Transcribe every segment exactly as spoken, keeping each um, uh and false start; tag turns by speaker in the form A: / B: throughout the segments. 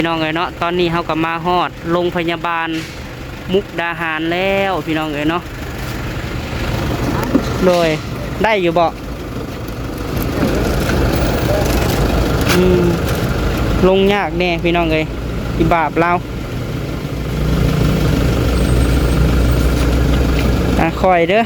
A: พี่น้องเอ๋ยเนาะตอนนี้เฮาก็มาฮอดโรงพยาบาลมุกดาหารแล้วพี่น้องเอ๋ยเนาะโดยได้อยู่บ่อืมลงยากแน่พี่น้องเอ๋ยอีบาปเราอ่ะคอยเด้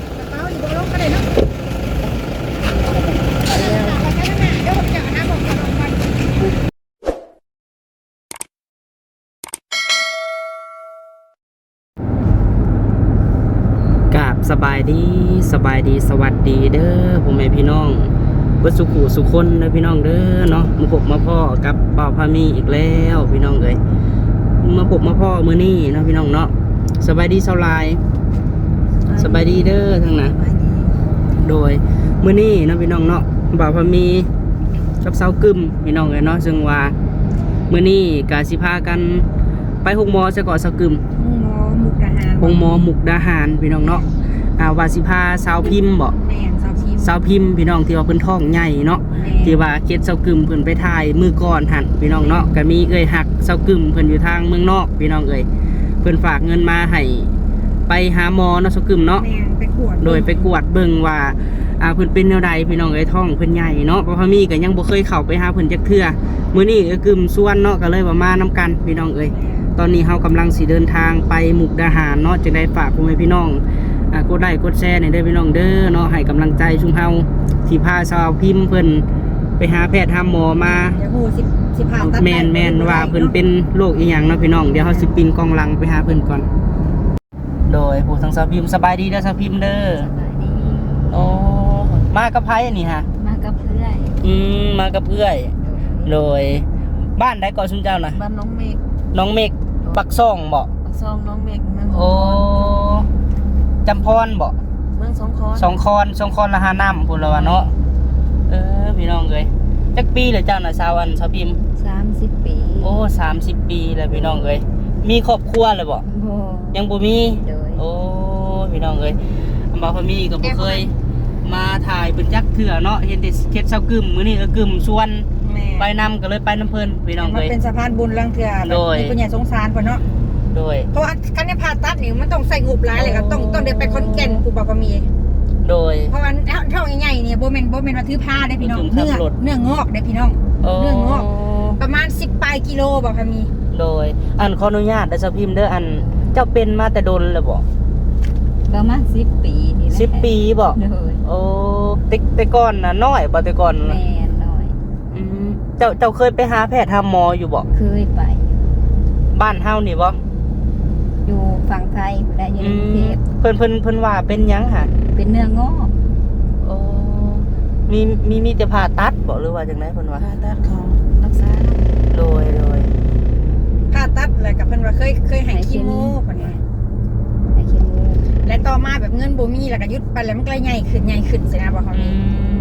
A: อกราบสบายดีสบายดีสวัสดีเด้อผมแม่พี่น้องเบิดสุขุสุคนเด้อพี่น้องเด้อเนาะมาพบมาพ่อกับเป่าพามีอีกแล้วพี่น้องเอ้ยมาพบมาพ่อมื้อนี้เนาะพี่น้องเนาะสบายดีเซาลายสบายดีเด้อทั้งนั้นโดยมื้อนี้เนาะพี่น้องเนาะเป่าพามีกับเซากึมพี่น้องเอ้ยเนาะซึ่งว่ามื้อนี้ก็สิพากันไปหกหมอซะก่อนเซากึมหงหมอมุกดาหารพี่น้องเนาะอ่าวาสิพาสาวพิมพ์บ่แม่นสาวพิมพ์สาวพิมพ์พี่น้องที่ว่าเพิ่นท้องใหญ่เนาะที่ว่าเก็ดเซากึมเพิ่นไปถ่ายมือก่อนหั่นพี่น้องเนาะก็มีเอ้ยหักเซากึมเพิ่นอยู่ทางเมืองนอกพี่น้องเอ้ยเพิ่นฝากเงินมาให้ไปหาหมอเนาะเซากึมเนาะไปกวดโดยไปกวดเบิ่งว่าอ่าเพิ่นเป็นแนวใดพี่น้องเอ้ยท้องเพิ่นใหญ่เนาะเพราะว่ามีก็ยังบ่เคยเข้าไปหาเพิ่นจักเทื่อมื้อนี้เอ้ยกึมส่วนเนาะก็เลยว่ามานํกันพี่น้องเอ้ยตอนนี้เรากำลังสิเดินทางไปมุกดาหารเนาะจะได้ฝากพ่อแม่พี่น้องอ่ากดไลค์กดแชร์ในเด้อพี่น้องเด้อเนาะให้กำลังใจชุมเฮาที่พาสาวพิมพ์เพิ่นไปหาแพทย์หาหมอมาเดี๋ยวฮู้สิสิผ่าตัดแม่นแม่นว่าเพิ่นเป็นโรคอีหยังเนาะพี่น้องเดี๋ยวเฮาสิปินกองหลังไปหาเพิ่นก่อนโดยผู้ทั้งสาวพิมพ์สบายดีเด้อสาวพิมพ์เด้อสบายดีโอ้มากับไผนี่ฮะมากับเพื่อนอืมมากับเพื่อนโดยบ้านใดก่อนซุมเจ้าน่ะบ้านน้องเมฆน้องเมฆปักซ่องบ่ปักซ่องน้องเมฆเมืองโอ้จำพรบ่เมืองสองคอนสองคอนสองคอนละหาน้ำพุ่นละว่าเนาะเออพี่น้องเอ้ยจักปีเลยเจ้าน่ะสาวอันสาวพิมพ์สามสิบปีโอ้สามสิบปีแล้วพี่น้องเอ้ยมีครอบครัวเลยบ่บ่ยังบ่มีโอ้พี่น้องเอ้ยอำบ่พอมีก็บ่เคยมาถ่ายเป็นจักเถื่อเนาะเห็นแต่เฮ็ดเซากึมมื้อนี้ก็กึมชวนไปนำก็เลยไปน้ำเพลินพี่น้องเลยมันเป็นสะพานบุญลังเถื่อโดยมีคนใหญ่สงสารคนเนาะโดยเพราะว่าการเนี่ยผ่าตัดนี่มันต้องใส่งบหลายเลยก็ต้องต้องเดินไปคอนแก่นกูบอกว่ามีโดยเพราะว่าเท่าใหญ่ๆเนี่ยโบเมนโบเมนว่าถือผ้าได้พี่น้องเนื้อเนื้องอกได้พี่น้องเนื้องอกประมาณสิบปลายกิโลบอกว่ามีโดยอันขออนุญาตได้สพิมพ์เด้ออันเจ้าเป็นมาแต่โดนเลยบอกประมาณสิบปีนี่แหละสิบปีบอกโอ้แต่แต่ก่อนนะน้อยบ่แต่ก่อนแม่น้อยอืมเจ้าเจ้าเคยไปหาแพทย์หาหมออยู่บ่เคยไปบ้านเฮานี่บ่อยู่ฝั่งไทยได้อยู่กรุงเทพเพิ่นเพิ่นเพิ่นว่าเป็นหยังหะเป็นเนื้องอกโอ้มีมีมีแต่ผ่าตัดบ่หรือว่าจังได๋เพิ่นว่าผ่าตัดเขารักษาโดยโดยผ่าตัดแล้วก็เพิ่นว่าเคยเคยให้คีโมเพิ่นว่าให้คีโมและต่อมาแบบเงินบ่มีแล้วก็หยุดไปแล้วมันก็เลยใหญ่ขึ้นใหญ่ขึ้นสินะบ่เขามี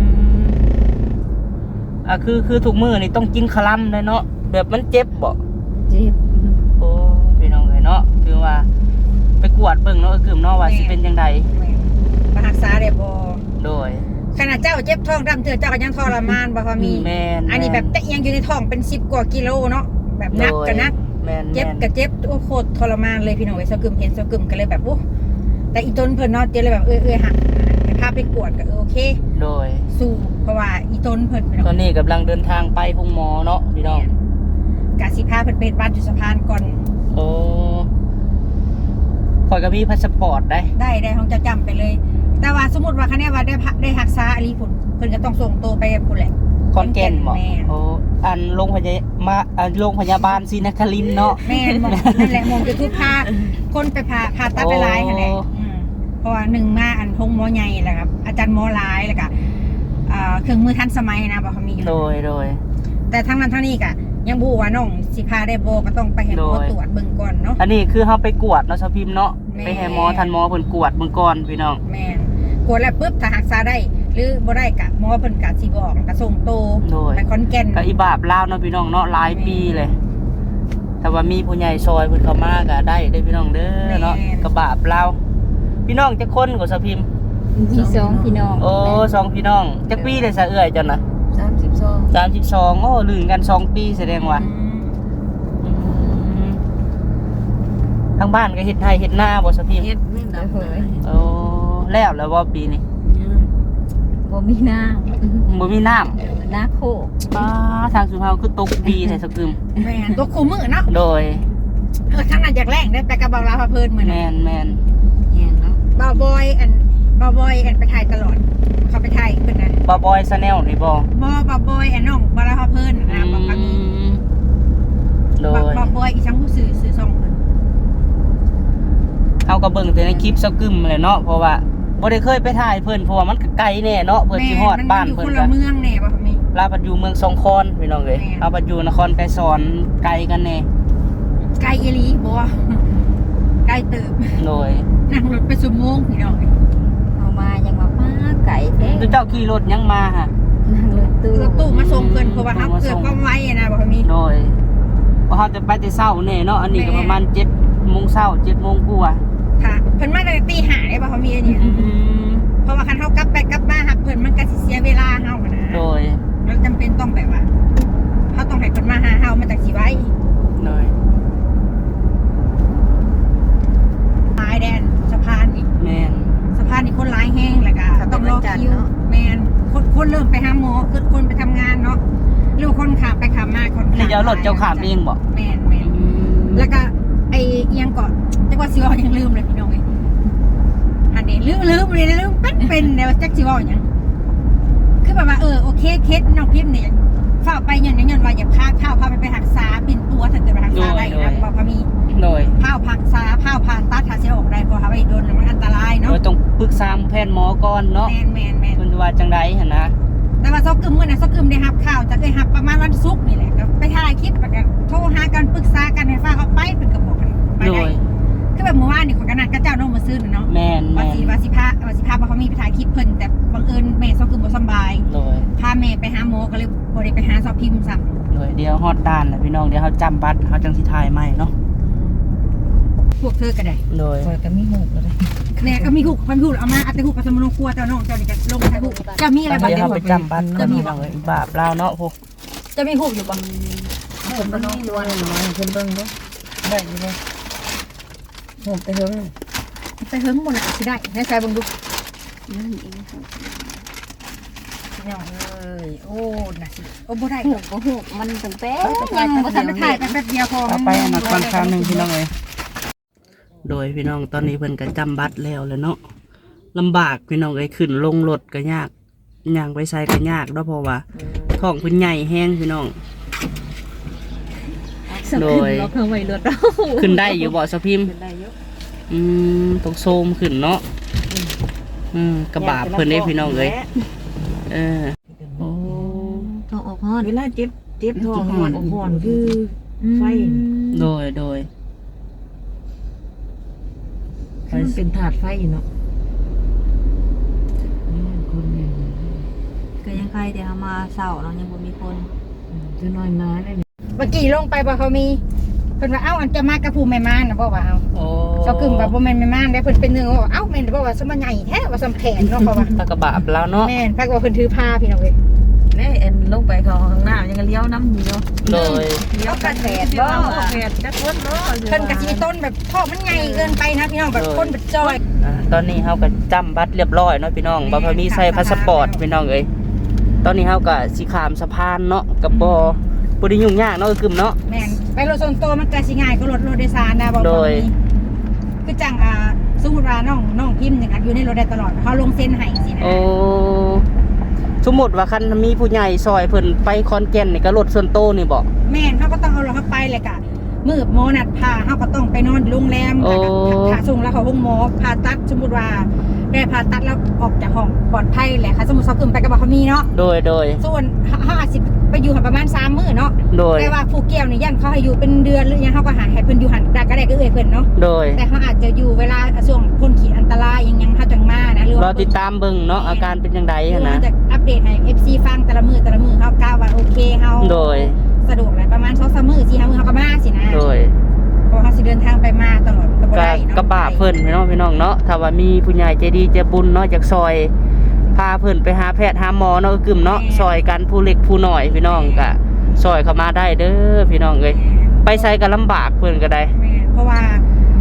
A: อ่ะคือคือทุกมื้อนี่ต้องกินคลัมเลยเนาะแบบมันเจ็บบ่เจ็บโอ้พี่น้องเอ้ยเนาะคือว่าไปกวดเบิ่งเนาะกึ่มเนาะว่าสิเป็นจังได๋มารักษาได้บ่โดยขนาดเจ้าเจ็บท้องดำเถื่อเจ้าก็ยังทรมานบ่พอมีแม่นอันนี้แบบแต่ยังอยู่ในท้องเป็นสิบกว่ากิโลเนาะแบบหนักก็หนักเจ็บก็เจ็บโอ้โคตรทรมานเลยพี่น้องเอ้ยเซากึ่มเห็นเซากึ่มก็เลยแบบโอ้แต่อีต้นเพิ่นเนาะเจ๊เลยแบบเอ้ยๆหักให้พาไปกวดก็โอเคโดยสู้เพราะว่าอีต้นเพิ่นตอนนี้กำลังเดินทางไปหงหมอเนาะพี่น้องกะสิพาเพิ่นไปบ้านจุสะพานก่อนโอ้ข่อยก็มีพาสปอร์ตได้ได้ได้ของจะจำไปเลยแต่ว่าสมมุติว่าคันนี้ว่าได้ได้รักษาอลีพุ่นเพิ่นก็ต้องส่งตัวไปพุ่นแหละคอนแก่นบ่โอ้อันโรงพยาบาลมาอันโรงพยาบาลศรีนครินทร์เนาะแม่นบ่นั่นแหละมงจะทุกพาคนไปพาพาตัดไปหลายหั่นแหละเพราะว่าหนึ่งมาอันพงหมอใหญ่แหละครับอาจารย์หมอหลายแล้วก็เครื่องมือทันสมัยนะบอกเขามีอยู่โดยโดยแต่ทั้งนั้นทั้งนี้ก็ยังบูว่าน้องสิพาได้โบก็ต้องไปให้หมอตรวจเบิ่งก่อนเนาะอันนี้คือเขาไปกวดเนาะชาวพิมพ์เนาะไปให้หมอทันหมอเพิ่นกวดเบิ่งก่อนพี่น้องแม่นกวดแล้วปุ๊บถ้ารักษาได้หรือบ่ได้กะหมอเพิ่นกะสิบอกก็ส่งโตไปคอนแก่นก็อีบาบลาวเนาะพี่น้องเนาะหลายปีเลยถ้าว่ามีผู้ใหญ่ซอยเพิ่นเข้ามาก็ได้ได้พี่น้องเด้อเนาะก็บาบลาวพี่น้องจักคนก็ชาวพิมพ์มีสองพี่น้องโอ้สองพี่น้องจักปีได้ซะเอื้อยจังน่ะสามสิบสอง สามสิบสองโอ้ลืมกันสองปีแสดงว่าทั้งบ้านก็เฮ็ดไร่เฮ็ดนาบ่ซะพี่
B: เฮ็ดไม่ดำเลย
A: โอ้แล้วแล้วบ่ปีนี้
B: บ่มีน้
A: บ่มีน้ำ
B: ำน้าโคก
A: ป้าทางสุเฮาคือตกดีใส่สกึม
C: แม่นตัวคู่มือเนาะ
A: โดย
C: เออทั้งนั้นจากแรงได้ไปกับเบาลาพาเพลินเหมือน
A: แม่นแม่น
B: แห้งแล้ว
C: เบาบอยอันเบาบอยอันไปถ่ายตลอด เขาไปถ่ายเพิ่นนะ
A: บ่บอยชาแนลนี่บ่
C: บเบาบอยอันน้องเบาลาพาเพลินนะบอกว่ามี
A: โดย
C: เบาบอยอีช่างผู้สื่อสื่อส่งเพิ่น
A: เฮาก็เบิ่งแต่ในคลิปสกึมแหละเนาะเพราะว่าบ่ได้เคยไปถ่ายเพิ่นเพราะว่ามันก็ไกลแน่เนาะเพิ่นสิฮอดบ้าน
C: แม่
A: เพิ่
C: มัน
A: น
C: อยู่คน
A: ก็
C: ละเมืองแน่บ่มี
A: ลาปัดอยู่เมืองสองคอนพี่น้องเอ้ย
C: แม่น
A: เอาปัดอยู่นครไกรสอนไกลกันแน่
C: ไกลอีหลีบ่ไกลเติบ
A: โดย
C: นั่งรถไปชั่วโมงพี่น้อง
B: เอามายังมาป้าไก่แท้
A: คือเจ้าขี่รถยังมาฮะ
B: นั่งรถตู้
C: รถตู้มาส่งเพิ่นเพราะว่าเฮาเกิดความไวอะนะบ่มี
A: โดยเพราะเฮาจะไปแต่เช้าแน่เนาะอันนี้ก็ประมาณเจ็ดโมงเช้าเจ็ดโมงกว่า
C: ค่ะเพิ่นมาตั้งแต่ตีห้าได้บ่เขามีอันนี้ เพราะว่าคันเฮากลับไปกลับมาหับเพิ่นมันก็สิเสียเวลาเฮาอะนะ
A: โดย
C: เราจำเป็นต้องแบบว่าเฮาต้องให้เพิ่นมาหาเฮามาจากสิไว้
A: โดย
C: ตายแดนสะพานอีก
A: แม่น
C: สะพานนี่คนหลายแห้งแล้วก็ต้องรอคิวแม่นคนคนเริ่มไปหาหมอคือคนไปทำงานเนาะหรือว่าคนขับไปขับมาคน
A: นี่เจ้ารถเจ้าขามเองบ่
C: แม่นแม่นแล้วก็ไอ้เอียงเกาะจักว่าสิเว้ายังลืมเลยพี่น้องเอ้ยอันนี้ลืมลืมเลยลืมเป็นเป็นแล้วจักสิเว้าหยังคือแบบว่าเออโอเคเคสน้องพิมพ์เนี่ยฝ้าไปยันยันว่าอย่าพาข้าวพาไปไปหักษาเป็นตัวถ้าเกิดไปหักษาได้นะบอกพามี
A: โดย
C: ข้าวผักษาข้าวผ่าตัดหาเสียออกได้เพราะว่าไปโดนแล้วมันอันตราย
A: โด
C: เนาะ
A: ยต้องปรึกษาแพทย์หมอก่อนเนาะ
C: แมนแมนแมน
A: เพิ่นว่าจังได๋หั่นนะ
C: แต่ว่าซอกกึมเมื่อนะซอกกึมได้หับข้าวจะเคยหับประมาณวันศุกร์นี่แหละก็ไปถ่ายคลิปแล้วก็โทรหากันปรึกษากันให้ฟ้าเขาไปเป็นกระบอกกันไป
A: โด
C: ได้
A: ย
C: คือแบบเมื่อวานนี่ขอยกันนัดกับเจ้าน้องมาซื้อน่ะเนาะ
A: แม่น
C: วา
A: แม่น
C: สิวาสิพาว่าสิพาบ่เขามีไปถ่ายคลิปเพิ่นแต่บังเอิญแม่ซอกกึมบ่สำบาย
A: โดย
C: พาแม่ไปหาหมอก็เลยบ่ได้ไปหาซอกพิมพ์ซ้ำ
A: โดยเดี๋ยวฮอดด้านแล้วพี่น้องเดี๋ยวเฮาจำบัตรเฮาจังสิถ่ายใหม่เนาะ
C: พวกเธอก็ได้
A: โดย
B: คอยก็มีหูกเลย
C: แม่ก็มีหูกพันหูกเอามาเอาแต่หูกไปสมนครัวเจ้าน้องเจ้านี่ก็ลงถ่ายหูกจะมีอะไรบ้าง
A: เดี๋ยว
C: เดี๋ยว
A: เฮาไปจำบัตร
C: จะมี
A: พี่น้องเอ้ยบาปลาวเนาะพวก
C: จะมีหูกอยู่บ้าง
B: ผมก็มีล้วนน้อยเพิ่นเบิ่งเด้อ
A: ได้อยู่บ่
B: ผมไปเฮิง
C: ไปเฮิงหมดละสิได้ให้ใส่บังดู
B: นั่นเอง
C: น้องเอ้ยโอ้น่ะสิโอ้บ่ได้
B: หูกก็หูกมันตั้งแต่
C: ยังบ่ทันได้ถ่ายไปแป๊บเดียวพอ
A: เอาไปอันนั้นก่อนคราวหนึงพี่น้องเอ้ยโดยพี่น้องตอนนี้เพิ่นก็จำบัตรแล้วแหล้วเนาะลำบากพี่น้องเอ้ยขึ้นลงรถก็ยากย่างไปไสก็ยากเนาะเพราะว่าท้องเพิ่นใหญ่แฮงพี่น้อง โดย
B: เราเพิ่มไว้รถเรา
A: ขึ้นได้อยู่บ่สะพิมพ์
B: ขึ้นได้เยอะ
A: อืมตกโซมขึ้นเนาะอืมกระบาเพิ่นได้พี่น้องเอ้ยเออโอ้
B: ท้องออกฮ้อน
D: เวลาเจ็บเจ็บท้องหอนหอนคือไฟ
A: โดยโดย
D: มันเป็นถาดไฟเนาะคนเนี่ย
B: ก็ยังใครแต่เอามาเศร้าเนาะยังบ่มีคน
D: จะน้อยมาได้เนี่ย
C: เมื่อกี้ลงไปบ่เขามีเพิ่นว่าเอ้าอันจะมากับผู้แม่ม่านน่ะบ่ว่าเอา
A: โอ้
C: เจ้ากึ่มว่าบ่แม่นแม่ม่านได้เพิ่นเป็นเนื้อว่าเอ้าแม่นบ่ว่าสมาใหญ่แท้ว่าสำแขนเนาะเพราะว่า
A: ตะกระบาบแล้วเนาะ
C: แม่นพักว่าเพิ่นถือผ้าพี่น้องเอ้ย
D: แน่เอ็นลงไปเขาข้างหน้ายังเลี้ยวน้ำเหนียว
A: โดย
D: เลี้ยวกันแดดบ่แดดจักคนเนาะ
C: เพิ่นก็สิมีต้นแบบท่อมันใหญ่เกินไปนะพี่น้องแบบคนแบบจอย
A: อ่าตอนนี้เฮาก็จำบัตรเรียบร้อยเนาะพี่น้องบ่พอมีใส่พาสปอร์ตพี่น้องเอ้ยตอนนี้เฮาก็สิข้ามสะพานเนาะกับบ่บ่ได้ยุ่งยากเนาะกึมเนาะ
C: แม่นไปรถส่วนตัวมันก็สิง่ายกว่ารถรถโดยสารนะบ่
A: โดย
C: คือจังอ่าสมมุติว่าน้องน้องพิมพ์นี่ก็อยู่ในรถได้ตลอดเขาลงเซ็นให้สินะ
A: โอ้สมมุติว่าคันมีผู้ใหญ่ซอยเพิ่นไปคอนแก่นนี่ก็รถส่วนโตวนี่บ่
C: แม่นเขาก็ต้องเอาเราเข้าไปเลยกะมือหมอนัดพาเขาก็ต้องไปนอนโรงแรมแล้วก็ผ่าส่งแล้วเขาห้องหมอผ่าตัดสมมติว่าได้ผ่าตัดแล้วออกจากห้องปลอดภัยแหละค่ะสมมติเขาขึ้นไปกับเขามีเนาะ
A: โดยโดย
C: ส่วนเขาอาจจะไปอยู่หันประมาณสามมื้อเนาะ
A: โดย
C: แต่ว่าผู้แก้วนี่ยันเขาให้อยู่เป็นเดือนหรือยังเขาก็หาให้เพิ่นอยู่หันได้ก็ได้ก็เอ่ยเพิ่นเนาะ
A: โดย
C: แต่เขาอาจจะอยู่เวลาช่วงพ้นขีดอันตรายยังยังเขาจังมานะหรือ
A: เรา
C: ว่า
A: ติดตามเบิ่งเนาะอาการเป็นจังได
C: หรือ
A: หั้น
C: ว่า
A: นะ
C: จะอัปเดตให้ เอฟ ซี ฟังแต่ละมือแต่ละมือเขากล่าวว่าโอเคเขา
A: โดย
C: สะดวกเลยประมาณสองสามมื้อสี่ห้ามื้อเขาก็มาสินะ
A: โดย
C: เพราะเขาสิเดินทางไปมาตลอดก็บ่
A: ก็
C: ได้เนาะ
A: กระบะเพิ่นพี่น้องพี่น้องเนาะถ้าว่ามีผู้ใหญ่ใจดีใจบุญเนาะจากซอยพาเพิ่นไปหาแพทย์หาหมอเนาะกึมเนาะซอยกันผู้เล็กผู้น้อยพี่น้องก็ซอยเข้ามาได้เด้อพี่น้องเอ้ยไปไสก็ลำบากเพิ่นก็ได้
C: แม่นเพราะว่า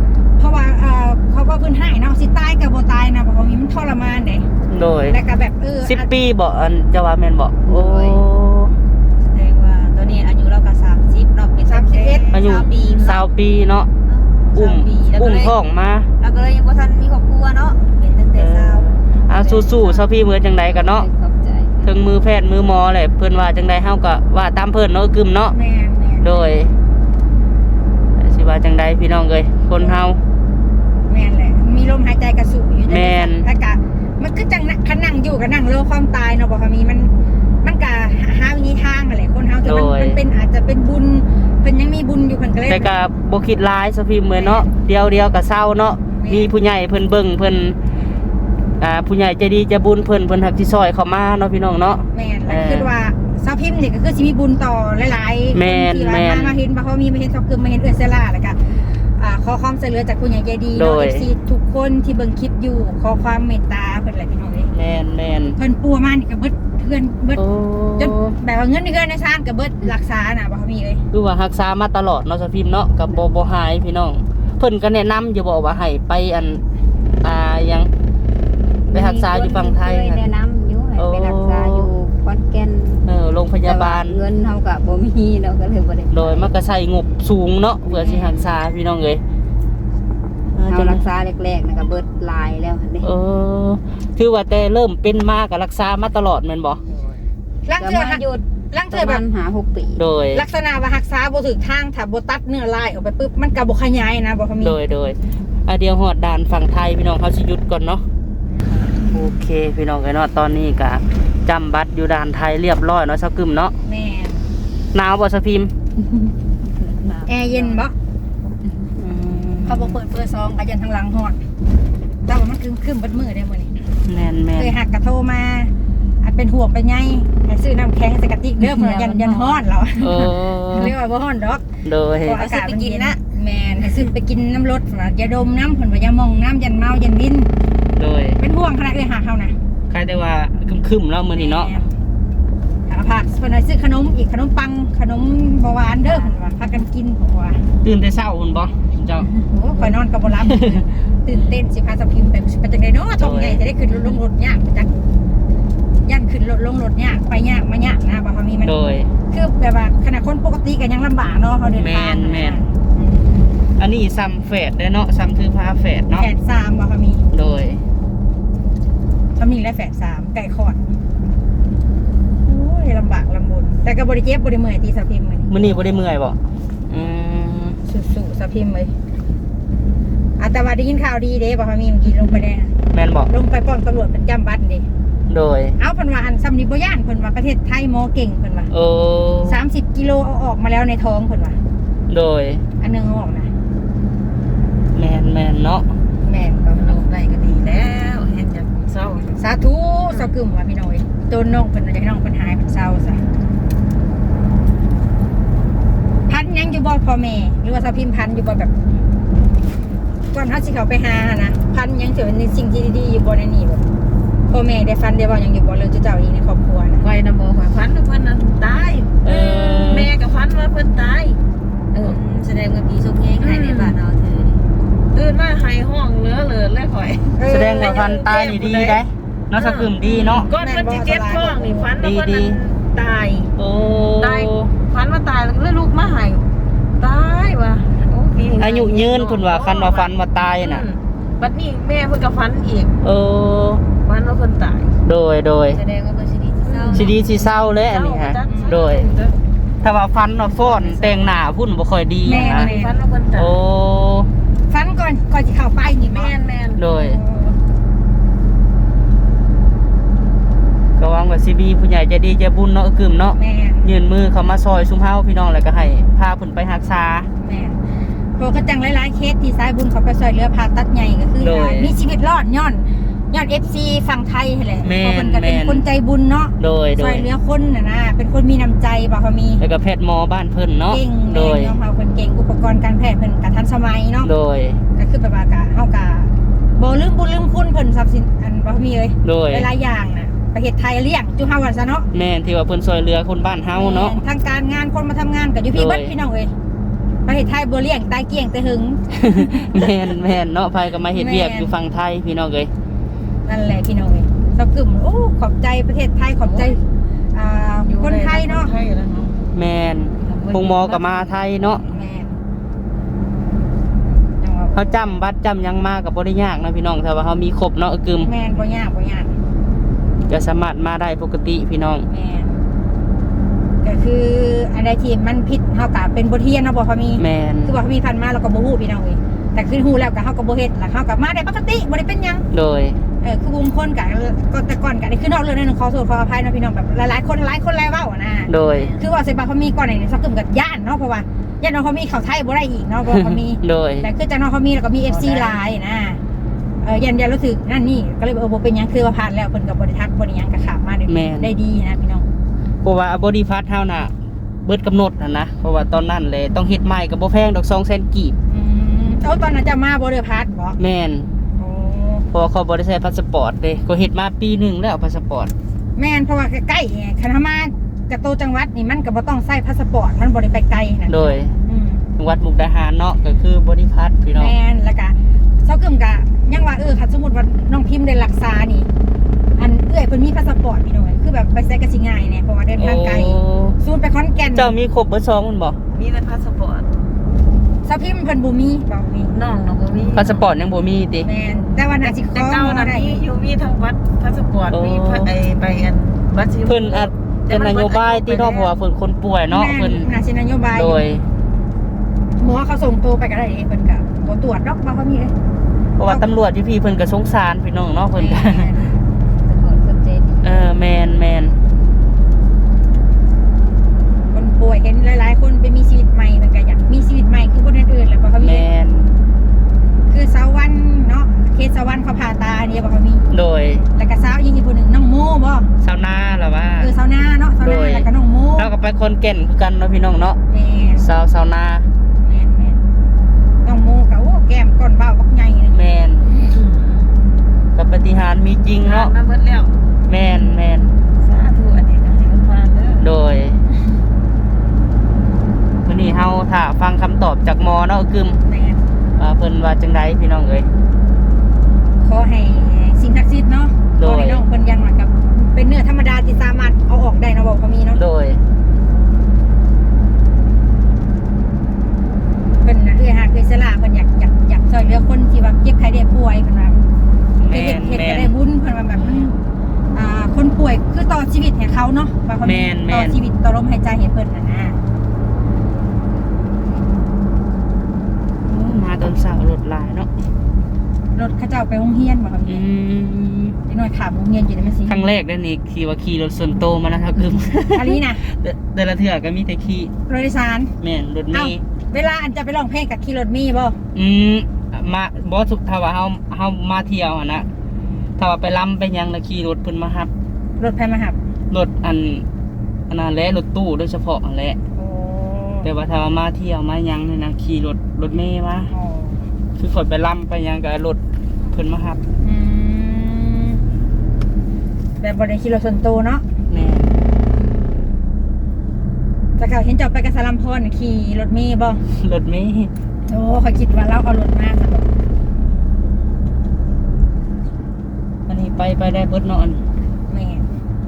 C: ราะว่าเอ่อเขาว่าเพิ่นให้เนาะสิตายก็บ่ตายนะเพราะว่ามีมันทรมานเด้
A: โดย
C: แล้วก็แบบเออ
A: สิบปีบ่อันจะว่าแม่นบ่โอ้
B: แสดงว่าตอนนี้อายุเราก็สามสิบเนาะเป็นสามสิบเอ็ด
A: อายุ
B: ปี
A: สาวปีเนาะอุ้ม
B: แล้ว
A: อุ้
B: ก็
A: ม
B: เลย
A: ท้องมา
B: แล้วก็เลยยังบ่ทันมีครอบครัวเนาะเป็นตั้งแต่สาว
A: อ่าสู้ๆซะพี่เหมือนจังไดกันเนาะ
B: ขอบใจ
A: ถึงมือแพทย์มือหมอแหละเพิ่นว่าจังไดเฮาก็ว่าตามเพิ่นเนาะกึมเนาะ
C: แม่นแม่น
A: โดยสิว่าจังไดพี่น้องเอ้ยคนเฮา
C: แม่นแหละมีลมหายใจกระสุอยู่
A: แม่น
C: แล้วก็มันคือจังนะคันนั่งอยู่ก็นั่งโลความตายเนาะบ่ค่ะมีมันมันก็หาวิธีทางนั่นแหละคนเฮาที่มันมันเป็นอาจจะเป็นบุญเพิ่นยังมีบุญอยู่เพิ่นก็เลย
A: แต่ก็บ่คิดร้ายซะพี่เหมือนเนาะเดียวเดียวก็เศร้าเนาะมีผู้ใหญ่เพิ่นเบิ่งเพิ่นอ่าผู้ใหญ่ใจดีใจบุญเพิ่นเพิ่นฮักสิซอยเข้ามาเนาะพี่น้องเนาะ
C: แม่นแล้ว
A: เออ
C: คือว่าสาวพิมพ์นี่ก็คือสิมีบุญต่อหลายๆ
A: แม่น
C: คนที่ว่า
A: แม่น
C: มามาเห็นบ่เขามีมาเห็นซอกกึมมาเห็นเอื้อเซล่าแล้วก็อ่าขอความช่วยเหลือจากผู้ใหญ่ใจดี
A: โด
C: เนาะ
A: ย
C: เอฟซีทุกคนที่เบิ่งคลิปอยู่ขอความเมตตาเพิ่นแหละพี่น้องเอ้ย
A: แม่นแม่น
C: เพิ่นปัวมานี่ก็เบิดเพื่อนเบิด
A: โอ้
C: จนแบบว่าเงินในเงินในซานก็เบิดรักษาน่ะบ่เขามีเอ้ย
A: คือว่ารักษามาตลอดเนาะซะพิมพ์เนาะก็บ่บ่หายพี่น้องเพิ่นก็แนะนำอยู่บอกว่าให้ไปอันอ่าหยังไปรักษาอยู่ฝั่งไทย
B: เคย
A: นั่น
B: แนะนำอยู่ให้
A: โอ้
B: ไปรักษาอยู่ขอนแก่น
A: เออโรงพยาบาล
B: แต่ว่เงินเฮาก็บ่มีเนาะก็เลยบ่ได้ไป
A: โดยมันก็ใช้งบสูงเนาะเพื่อสิรักษาพี่น้องเอ้ยเออ
B: เฮา
A: จน
B: รักษาแรกๆน่ะก็เบิดหลายแล้วหั่นเด้
A: เออคือว่าแต่เริ่มเป็นมาก็รักษามาตลอดแม่นบ่
C: ลัง
B: ก็
C: เทื่อ
B: มาหยุด
C: ลัง
B: ป
C: เทื่อ
B: ระ
C: แบ
B: มา
C: บ
B: ณห้าหกปี
A: โดย
C: ลักษณะว่ารักษาบ่ถึกทางถ้าบ่ตัดเนื้อลายออกไปปุ๊บมันก็บ่ขยายนะบ่เขามี
A: โดยโดยอ่ะเดี๋ยวฮอดด่านฝั่งไทยพี่น้องเขาสิหยุดก่อนเนาะโอเคพี่น้องเอ้ยเนาะตอนนี้ก็จำบัตรอยู่ด่านไทยเรียบร้อยเนาะซักกึมเนาะ
C: แม่น
A: หนาวบ่ซะพิมพ์
C: แอร์เย็นบ่
A: อืม
C: เขาบอกเปิดเปิดซองกันยันทางหลังหอดแต่ว่ามันคืมคืมเบัดมือได้มื้อนี้
A: แม่นแม่น
C: เคยหักกระโทรมาอันเป็นห่วงเป็นใยให้ซื้อน้ำแข็งใส่กระติกเด้อเพิ่นว่ายันยันฮ้อนเหรอ
A: เออ
C: เรียกว่าบ่ฮ้อนดอก
A: โดย
C: เพราะอากาศมันเย็นนะแม่นให้ซื้อไปกินน้ำรถเพิ่นว่าอย่าดมน้ำเพิ่นว่าอย่ามองน้ำยันเมายันวิน
A: โดย
C: เป็นห่วงขนาดเอ้ยหาเฮานะ
A: ใครได้ว่าครึมๆแล้วมื้อนี้เนาะ
C: แม่หาผักเพิ่นว่าซื้อขนมอีกขนมปังขนมบ่หวานเด้อเพิ่นว่าพากันกินเพิ่นว่า
A: ตื่นแต่เช้าพุ่นบ่เจ้า
C: โอ้ข่อยนอนก็บ่หลับ ตื่นเต้นสิพาสะพิมพ์ไปไปจังได๋เนาะท้องใหญ่จะได้ขึ้นรถลงรถยากจักยันขึ้นรถลงรถยากไปยากมายากนะบ่เขามีมัน
A: โดย
C: คือแบบว่าขณะคนปกติก็ยังลำบากเนาะเขาเดินทาง
A: แม่นแม่น
C: อืม
A: อันนี้ซ้ำแฝดเด้อเนาะซ้ำคือพาแฝดเนาะ
C: แฝดสามบ่เขามี
A: โดย
C: เขามีและแฝดสามไก่คอดโอ้ยลำบากลำบนแต่ก็บริเจ็บบริเมื่อยตีสะพิมพ์เลย
A: มื้อนี้บ่ได้เมื่อยบ่อืม
C: สู้ๆสะพิมพ์เลยอาแต่ว่าได้ยินข่าวดีเด้บ่เขามีเมื่อกี้ลงไปได้นะ
A: แม่นบ่
C: ลงไปป้อมตำรวจเป็นจำบัตรเด้
A: โดย
C: เอาเพิ่นว่าอันซัมนิบ่ย่านเพิ่นว่าประเทศไทยหมอเก่งเพิ่นว่า
A: โอ้
C: สามสิบกิโลเอาออกมาแล้วในท้องเพิ่นว่า
A: โดย
C: อันหนึงเอาออกนะ
A: แม่นแม่นเนาะ
C: แม่นก็
D: ลงได้ก็ดีแล้วเห็นจากเศร้า
C: สาธุสะกึมว่าพี่น้อยตัวน้องเพิ่นว่าจะให้น้องเพิ่นหายเพิ่นเศร้าซะพันยังอยู่บ่พ่อแม่หรือว่าสะพิมพ์พันอยู่บ่แบบก่อนเฮาสิเข้าไปหานะพันยังถือเป็นสิ่งที่ดีๆอยู่บ่ในนี้บ่พ่อแม่ได้ฟันได้บ่ยังอยู่บ่เรื่องเจ้าๆอีกในครอบครัวนะ
D: ไว้นะบอกว่าฟันว่าเพิ่นนั้นตาย
A: เออ
D: แม่ก็ฟันว่าเพิ่นตายเออ
B: แสดงว่าพี่สุกเฮงให้ในบ้านเราเธอนี่
D: ตื่นมาหายห้องเหลือเหลือเลยข่อย
A: แสดงว่าพันตายนี่ดีได้เนาะสักกึมดีเนาะ
D: ก่อนมันสิเจ็บท้องนี่ฟันว่าเพิ่น
A: ดี
D: นั้นตาย
A: โอ้
D: ตายฟันว่าตายแล้วลูกมาหายตายว่ะโอ้ปีนี้
A: อายุยืนเพิ่นว่าคันว่าฟันว่าตายน่ะ
D: อืมบัดนี้แม่เพิ่นก็ฟันอีก
A: เออ
D: ฟันว่าเพิ่นตาย
A: โดยโดย
B: แสดงว่าเพิ่นสิดีที่เศร้า
A: สิดีสิเศร้าเลยอันนี้ฮะโดย ถ้าว่าฟันว่าฟ้อนแต่งหน้าพุ่นบ่ค่อยดี
C: แม่
A: นะ
D: ฟันว่าเพิ่นตาย
A: โอ้
C: ฟันก่อนก่อนสิเข้าไปนี่บ่
D: แม่นแม่น
A: โดยก็หวังว่าสิมีผู้ใหญ่ใจดีใจบุญเนาะกึมเนาะ
C: แม่น
A: ยื่นมือเข้ามาซอยซุมเฮาพี่น้องแล้วก็ให้พาเพิ่นไปรักษา
C: แม่นเพราะก็จังหลายๆเคสที่สายบุญเขาไปช่วยเหลือผ่าตัดใหญ่ก็คือ
A: โดย
C: มีชีวิตรอดย้อนย้อน เอฟ ซี ฝั่งไทยนั่นแหละ
A: แม่น
C: เพราะเพิ่นก็เป็น
A: แม่น
C: คนใจบุญเนาะ
A: โดยโด
C: ช่วย ยเหลือคนน่ะนะเป็นคนมีน้ำใจบ่เขามี
A: แล้วก็แพทย์หมอบ้านเพิ่นเนาะ
C: เก่ง
A: โด
C: แม่
A: ย
C: นเนาะเขาเพิ่นเก่งอุปกรณ์การแพทย์เพิ่นก็ทันสมัยเนาะ
A: โดย
C: ก็คือแบบว่ากะเฮากะบ่ลืมบุญลืมคุณเพิ่นทรัพย์สินอันบ่มีเลย
A: โดย
C: หลายๆอย่างน่ะประเทศไทยเลี้ยงจุเฮาว่าซะเนาะ
A: แม่นที่ว่าเพิ่นช่วยเหลือคนบ้านเฮาเนาะ
C: ทางการงานคนมาทำงานก็อยู่พี่
A: โดย
C: เบิดพี่น้องเอ้ยประเทศไทยบ่เลี้ยงตายเกลี้ยงแต่หึง
A: แม่นแม่นเนาะไผก็มาเฮ็ดเวียกอยู่ฝั่งไทยพี่น้องเอ้ย
C: นั่นแหละพี่น้องเอ้ยเซากึมโอ้ขอบใจประเทศไทยขอบใจอ่าคนไทยเนาะ
D: ไทยแล้วเนาะ
A: แม่นพงหมอก็มาไทยเนาะ
C: แม่นจังว่า
A: เขาจำบัตรจำหยังมาก็บ่ได้ยากนะพี่น้องถ้าว่าเฮามีครบเนาะกึม
C: แม่นบ่ยากบ่ยาก
A: ก็สามารถมาได้ปกติพี่น้อง
C: แม่นก็คืออันใดที่มันผิดเฮาก็เป็นบทเรียนเนาะบ่พอมี
A: แม่น
C: คือว่าพอมีผ่านมาเราก็บ่ฮู้พี่น้องเอ้ยแต่คือฮู้แล้วก็เฮาก็บ่เฮ็ดแล้วเฮาก็มาได้ปกติบ่ได้เป็นหยัง
A: โดย
C: เออคือบางคนก็ก็แต่ก่อนก็ได้คือนอกเรื่องนึงขอโทษขออภัยเนาะพี่น้องแบบหลายๆคนหลายคนหลายเว้าอะนะ
A: โดย
C: คือว่าสิบาพอมีก่อนนี่ซักกึมกับย่านเนาะเพราะว่าย่านน้องพอมีเข้าไทยบ่ได้อีกเนาะบ่พอมี
A: โดย
C: แต่คือจากน้องพอมีแล้วก็มี เอฟ ซี หลายนะเออยันยันรู้สึกนั่นนี่ก็เลยเออบ่เป็นหยังคือว่าผ่านแล้วเพิ่นก็บ่ได้ทักบ่ได้หยังก็ขามมาได้
A: แม่น
C: ได้ดีนะพี่น้อง
A: เพราะว่าบอดี้พาร์ทเฮาน่ะเบิดกำหนดน่ะนะเพราะว่าตอนนั้นเลยต้องเฮ็ดใหม่ก็บ่แพงดอกสองแสนกีบ
C: อืมเอาตอนนั้นจะมาบ่ได้พัดบ่
A: แม่น
C: โอ้
A: เพราะว่าเขาบ่ได้ใช้พาสปอร์ตเด้ก็เฮ็ดมาปีหนึงแล้วพาสปอร์ต
C: แม่นเพราะว่าใกล้ๆไงคันมากระโตจังหวัดนี่มันก็บ่ต้องใช้พาสปอร์ตมันบ่ได้ไปไกลนั่น
A: โดย
C: อืม
A: จังหวัดมุกดาหารเนาะก็คือบอดี้พาร์ทพี่น้อง
C: แม่นแล้วก็เซากึมก็ยังว่าเออถ้าสมมุติว่าน้องพิมพ์ได้รักษานี่ อันเอื้อยเพิ่นมีพาสปอร์ตพี่น้องคือแบบไปใช้ก็สิง่ายแน่เพราะว่าเดินทางไกล
A: โอ้
C: ซูนไปขอนแก่น
A: เจ้ามีครบเบิดสองมันบ่
D: มีแต่พาสปอร์ต
C: เซาพิมพ์เพิ่นบ่มีบ่มี
D: น้องเนาะบ่มี
A: พาสปอร์ตยังบ่มีติ
C: แม่นแต่ว่าน่าสิข
D: แต่
C: อ
D: เก่า
C: บ่
D: นะ
C: ได้
D: มีอยู่มีทั้งวัดพาสปอร์ต
A: โอ้
D: มีพระไอใบอันบัตรสี
A: เพิ่นอาจเป็นนโยบายที่เนาะเพราะว่าเพิ่นคนป่วยเนาะ
C: แม่
A: เพิ่น
C: น่าสินโยบาย
A: โดย
C: หมอเขาส่งตัวไปก็ได้เด้เพิ่นก็บ่ตรวจดอกบ่เขามีเลย
A: เพราะว่าตำรวจอยู่พี่เพิ่นก็สงสารพี่น้องเนาะเพิ่นก็
C: แม่นตำรวจเพิ่นใจดี
A: เออแม่นแม่น
C: คนป่วยเห็นหลายๆคนไปมีชีวิตใหม่เพิ่นก็อยากมีชีวิตใหม่คือคนอื่นๆแหละบ่เขามี
A: แม่น
C: คือสาววันเนาะเคสสาววันเขาผ่าตาเนี่ยบ่เขามี
A: โดย
C: แล้วก็สาวยิงอีกคนหนึ่งน้องโมบ่
A: ชาวนาล่ะว่า
C: เออสาวนาเนาะสาว
A: โด
C: นาย แล้วก็น้องโม
A: เราก็ไปคนแก่นคือกันเนาะพี่น้องเนาะ
C: แม่น
A: ชาวชาวนา
C: แม่นแม่นน้องโมก็โอ้แก้มก้นเบ้าบักใหญ่นึง
A: แม่นกับปาฏิหารย์มีจริง
D: เนาะ
A: เนาะ
D: มาเบิดแล้ว
A: แม่นแม่น
D: สาธุอันนี้ก็ให้มันผ่านเด้อ
A: โดยวันนี้เฮาถ้าฟังคำตอบจากหมอเนาะกึม
C: แม่น
A: ว่าเพิ่นว่าจังไดพี่น้องเอ้ย
C: ขอให้สิ่งศักดิ์สิทธิ์เนาะ
A: โด
C: ขอย ให้น้องเพิ่นยังเหมือนกับ เป็นเนื้อธรรมดาที่สามารถเอาออกได้เนาะบอกเขามีเนาะ
A: โดย
C: เพิ่นน่ะเอื้อหาเคยสละเพิ่นอยากอยากอยากช่วยเหลือคนที่ว่าเจ็บไข้ได้ป่วยเพิ่นว่า
A: แม่
C: เฮ็ด
A: น
C: เฮ็ด
A: แม่
C: ก็
A: น
C: ได้บุญเพิ่นว่าแบบมันอ่าคนป่วยคือต่อชีวิตให้เขาเนาะว่าเขา
A: แม่นแม่
C: ต่อน ชีวิตต่อลมหายใจให้เพิ่นน่ะนะ
A: โอ้มาตอนเช้ารถหลายเนาะ
C: รถเขาเจ้าไปโรงเรียนบ่ครับ
A: อืม
C: จักหน่อยขามโรงเรียนอยู่ได้มั้ยสิ
A: ครั้งแรกเด้อนี่ขี่ว่าขี่รถส่วนโตวมานะครับกึม
C: อันนี้น่ะ
A: แต่แต่ละเทื่อก็มีแต่ขี่
C: รถโดยสาร
A: แม่นรถเม
C: เอ้า
A: ล์
C: เวลาอันจะไปร้องเพลงกับขี่รถมีบ่
A: อืมมาบ่สุกถ้าว่าเฮาเฮามาเที่ยวหั่นนะถ้าว่าไปลำไปหยังแล้วขี่รถเพิ่นมารับ
C: รถไผมาหับ
A: รถอันอันนั้นแหละรถตู้โดยเฉพาะนั่นแหละ
C: โอ้
A: แต่ว่าถ้าว่ามาเที่ยวมาหยังนี่นะขี่รถรถเมล์มา
C: อ๋อ
A: คือข่อยไปลำไปหยังก็รถเพิ่นมารับ
C: อืมแบบบ่ได้ขี่รถส่วนตัวเนาะ
A: แม่
C: แต่เขาเห็นเจ้าไปกับสลัมพรน่ะขี่รถเมล์บ่
A: รถเมล์
C: โอ้เขาคิดว่าเราเอารถมาซะบ่
A: อันนี้ไปไปได้เบิดเนาะอัน
C: แม่น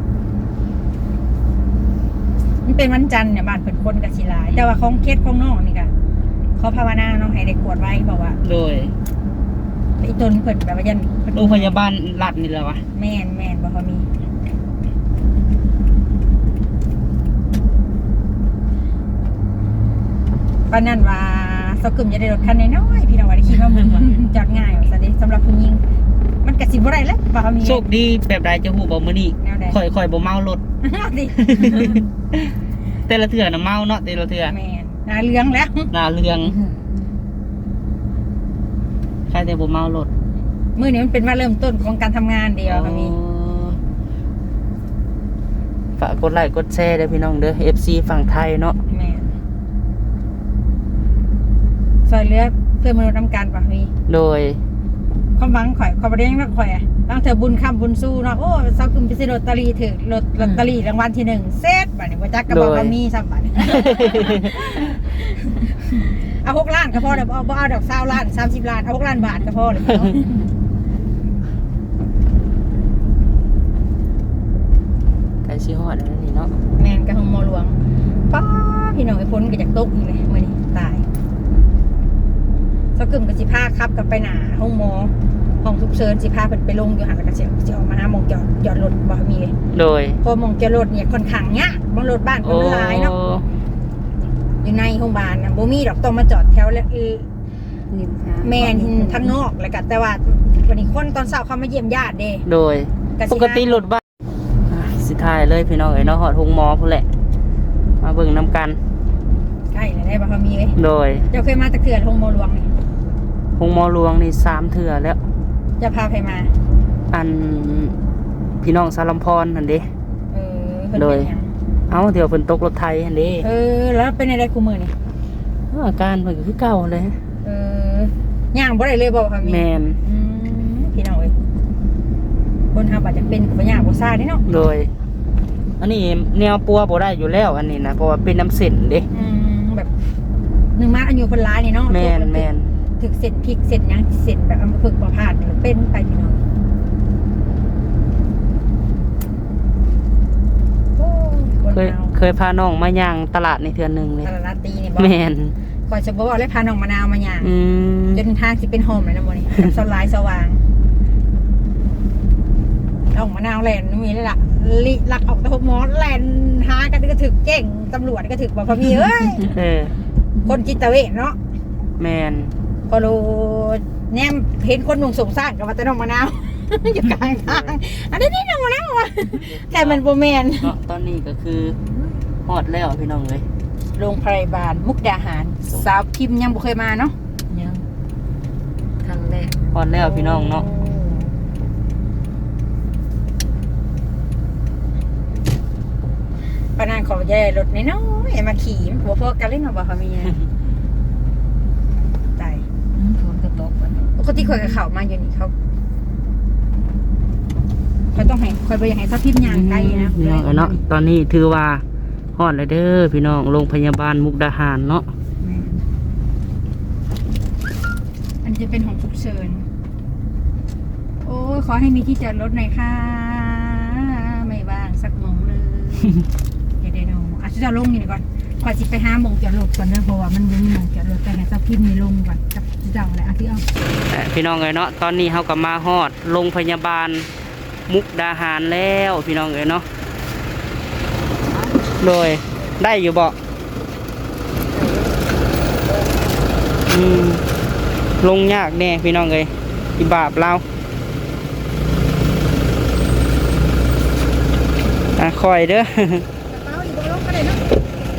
C: มันเป็นวันจันทร์เนี่ยบ้านเพิ่นคนก็สิหลาย แต่ว่าของเคสของน้องนี่ก็ขอภาวนาน้องให้ได้กวดไว้บอกว่า
A: โดย
C: อีตนเพิ่นแบบว่ายันเพิ่น
A: โรงพยาบาลรัฐนี่แหละวะ
C: แม่นแม่นบ่เขามีปานนั้นว่าเซากึมจะได้รถคันน้อยๆพี่น้องว่าได้ขี่มาหมุนว่า จอดง่ายว่าซั่นเด้สำหรับผู้หญิงมันก็สิบ่ได้แล้วบ่เขามี
A: โชคดีแบบใดจะฮู้บ่มื้อนี้
C: แนวใด
A: ข่อยข่อยบ่เมารถ
C: ดิ
A: แต่ละเทื่อน่ะเมาเนาะแต่ละเทื่อ
C: แม่นหน้าเหลืองแล้ว
A: หน้าเรืองใครแต่บ่เมารถ
C: มื้อนี้มันเป็นว่าเริ่มต้นของการทำงานเดียวเขามี
A: ฝากกดไลค์กดแชร์เด้อพี่น้องเด้อ เอฟ ซี ฝั่งไทยเนาะ
C: แม่นซอยเหลือเพื่อนมนุษย์นำกันป่ะมี
A: โดย
C: ความหวังข่อยข่อยบ่ได้ยังรักข่อยอ่ะตั้งเธอบุญคำบุญสู้เนาะโอ้เซากึมไปซื้อลอตเตอรี่ถือลอตลอตเตอรี่รางวัลที่หนึ่งเซตบัดนี้บ่จักก็บอกว่ามีซ้ำบัดนี้เอาหกล้านก็พอเดี๋ยวเอาเอาดอกเศร้าล้านสามสิบล้านเอาหกล้านบาทก็พอเลย
A: ไก่ชิฮอดแล้วนี่เนาะ
C: แมนกับห้องหมอหลวงป้าพี่น้องไอ้พ้นก็จากตกอีกเลยมื่อนี้ตายสกึมกับสิพาขับกันไปหนาห้องหมอห้องทุกเชิญสิพาเพิ่นไปลงอยู่หันแล้วก็เสียเสียออกมาหน้ามองจอดจอดรถบ่มีเลย
A: โดย
C: พอมองจอดรถเนี่ยค่อนข้างเนี้ยบางรถบ้านคนมันหลายเนาะอยู่ในโรงพยาบาลนะบ่มีดอกต้องมาจอดแถวแล้วแม่นทั้งนอกแล้วก็แต่ว่าวันนี้คนตอนเช้าเขามาเยี่ยมญาติเด้
A: โดยปกติรถบ้านอ่ะสิทายเลยพี่น้องเอ้ยเนาะฮอดโรงหมอพุ่นแหละมาเบิ่งนํกัน
C: ใกล้แล้วได้บ่เขามีเว้ย
A: โดย
C: เจ้าเคยมาตะเกียบห้องหมอหลวงนี่
A: โรงหมอหลวงนี่สามเทื่อแล้ว
C: จะพาใครมา
A: อันพี่น้องสารลำพรนั่นเด้
C: เออเพิ่นเป็นหยัง
A: เอ้าเดี๋ยวเพิ่นตกรถไทยหั่นเด้
C: เออแล้วเป็นอะไรกูมือนี่
A: อาการเพิ่นก็คือเก่าเลย
C: เออย่างบ่ได้เลยบ่ค่ะมี
A: แม่น
C: อืมพี่น้องเอ้ยคนเฮาบัดจะเป็นก็บ่ยากบ่ซ่าเด้เนาะ
A: โดย อันนี้แนวปัวบ่ได้อยู่แล้วอันนี้นะเพราะว่าเป็นน้ำเส้นเด้
C: อืมแบบหนึ่งมาอายุเพิ่นหลายนี่เนาะ
A: แม่นแม่น
C: ถึกเส้นพริกเส้นหยังเส้นแบบอัมพฤกษ์บ่พลาดเป็นไปพี่น้องโอ้ยคน
A: เคย
C: เฮา
A: เคยพาน้องมาย่างตลาดในเทือนหนึงเลย
C: ตลาดตีนี่บ่
A: แม่น
C: ก่อนจะบ่ว่าเลยพาน้องมะนาวมาย่าง
A: อืม
C: จนทางสิเป็นโฮมเลยนะมื้อนี้ กับสลายสว่างน้องมะนาวแล่นมีเลยล่ะลิลักออกตะหกหมอแล่นหากันก็ถึกเก่งตำรวจก็ถึกบ่พอมีเอ้ย
A: เออ
C: คนจิตเวชเนาะ
A: แม่น
C: พอรู้แนมเห็นคนหนุ่มสงสารกับว่าแต่น้องมะนาว อยู่กลางทางอันนี้นี่น้องมะนาวว่ะแต่มันบ่แม่น
A: เนาะตอนนี้ก็คือฮอดแล้วพี่น้องเอ้ย
C: โรงพยาบาลมุกดาหาร สาวพิมพ์ยังบ่เคยมาเนาะ
D: ยังครั้งแรก
A: ฮอดแล้วพี่น้องเนาะ
C: ปานานขอแย่รถน้อยๆมาขี่มันหัวพอกันเล่นเอาบ่ค่ะมีตาย
D: อืมฝนก็ตกวัน
C: ปกติข่อยกับเขามาอยู่นี่เขาข่อยต้องให้ข่อยบ่อยากให้สาวพิมพ์ย่างไกลนะ
A: พี่น้องเอ้ยเนาะตอนนี้ถือว่าฮอดแล้วเด้อพี่น้องโรงพยาบาลมุกดาหารเนาะ
C: อันนี้จะเป็นของฉุกเฉินโอ้ยขอให้มีที่จอดรถหน่อยค่ะ ไม่ว่างสักโมงเลย เดี๋ยวเดี๋ยวอาจจะลงนี่ก่อนขอจิไปห้าโมงจอดรถก่อนเนอะเพราะว่ามันยังมีโมงจอดรถแต่ให้เจ้าพิมพ์นี่ลงก่อนกับเจ้าอะไรเอาที่เอา
A: แต่พี่น้องเอ้ยเนาะตอนนี้เฮาก็มาฮอดโรงพยาบาลมุกดาหารแล้วพี่น้องเอ้ยเนาะโดยได้อยู่บ่อืมลงยากแน่พี่น้องเอ้ยอีบาปเราอ่ะคอยเด้อ
C: กระเป๋าอีกบ่ลงก็ได้เนาะ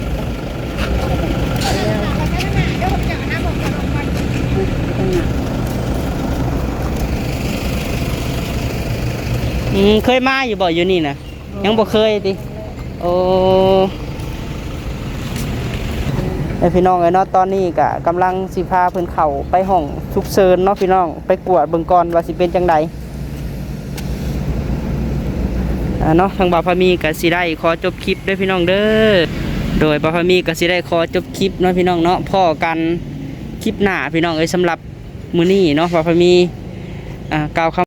C: เดี๋ยวผมจะห้าโมงจอดรถก่อน
A: อืมเคยมาอยู่บ่อยู่นี่นะยังบ่เคยติโอ้ไอพี่น้องไอ้เนาะตอนนี้ก็กำลังสิพาเพิ่นเข้าไปห้องฉุกเฉินเนาะพี่น้องไปกวดเบิ่งก่อนว่าสิเป็นจังไดอ่าเนาะทางบ่าวพามีก็สิได้ขอจบคลิปด้วยพี่น้องเด้อโดยบ่าวพามีก็สิได้ขอจบคลิปเนาะพี่น้องเนาะพ้อกันคลิปหน้าพี่น้องเอ้ยสำหรับมื้อนี้เนาะบ่าวพามีอ่ากล่าวคำ